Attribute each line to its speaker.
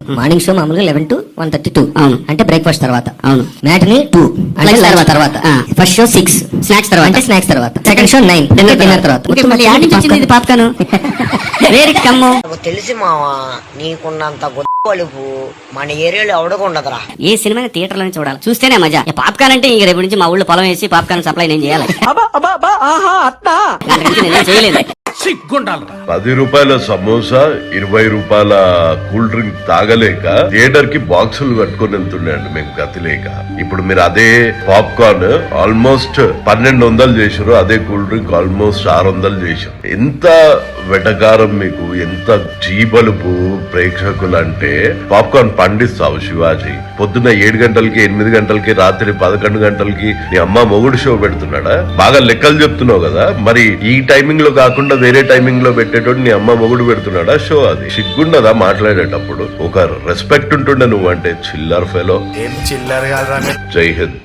Speaker 1: Morning show మామూలుగా 11 to 1:32.
Speaker 2: అవును.
Speaker 1: అంటే బ్రేక్ఫాస్ట్ తర్వాత.
Speaker 2: అవును.
Speaker 1: మ్యాట్ని 2 అంటే
Speaker 2: Lunch
Speaker 1: తర్వాత
Speaker 2: తర్వాత.
Speaker 1: తర్వాత. ఫస్ట్ షో 6
Speaker 2: స్నాక్స్ తర్వాత.
Speaker 1: అంటే స్నాక్స్ తర్వాత. సెకండ్ షో 9 డిన్నర్ తర్వాత.
Speaker 2: ఓకే, మళ్ళీ యాడ్ నుంచి వచ్చింది ఇది పాప్కార్న్. వేరే కమ్ము.
Speaker 3: నాకు తెలిసి మావా నీకున్నంత గొప్పలుపు మన ఏరియాలో ఎవడకుండదురా.
Speaker 2: ఏ సినిమా థియేటర్ లోనే చూడాలి, చూస్తేనే మజా. పాప్కార్న్ అంటే ఇంక రేపు నుంచి మా ఊళ్ళో పొలం వేసి పాప్కార్న్ సప్లై నేను చేయాలి. అంతకుమించి నేనేం చేయలేదు.
Speaker 4: 10 రూపాయల సమోసా 20 రూపాయల కూల్ డ్రింక్ తాగలేక థియేటర్ కి బాక్సులు కట్టుకుని వెళ్తున్నాయండి మేము గతి లేక. ఇప్పుడు మీరు అదే పాప్కార్న్ ఆల్మోస్ట్ 1200 చేసారు, అదే కూల్ డ్రింక్ ఆల్మోస్ట్ 600 చేసారు. ఎంత వెటకారం మీకు, ఎంత జీబలుపు ప్రేక్షకులు అంటే. పాప్కార్న్ పండిస్తావు శివాజీ, పొద్దున్న 7 గంటలకి 8 గంటలకి రాత్రి 11 గంటలకి నీ అమ్మ మొగుడు షో పెడుతున్నాడా? బాగా లెక్కలు చెప్తున్నావు కదా, మరి ఈ టైమింగ్ లో కాకుండా వేరే టైమింగ్ లో పెట్టేటోడు నీ అమ్మ మొగుడు పెడుతున్నాడా షో? అది సిగ్గుండదా మాట్లాడేటప్పుడు? ఒక రెస్పెక్ట్ ఉంటుండే నువ్వు అంటే. చిల్లర్ ఫెలో.
Speaker 5: ఏం చిల్లర కాదు.
Speaker 4: జై హింద్.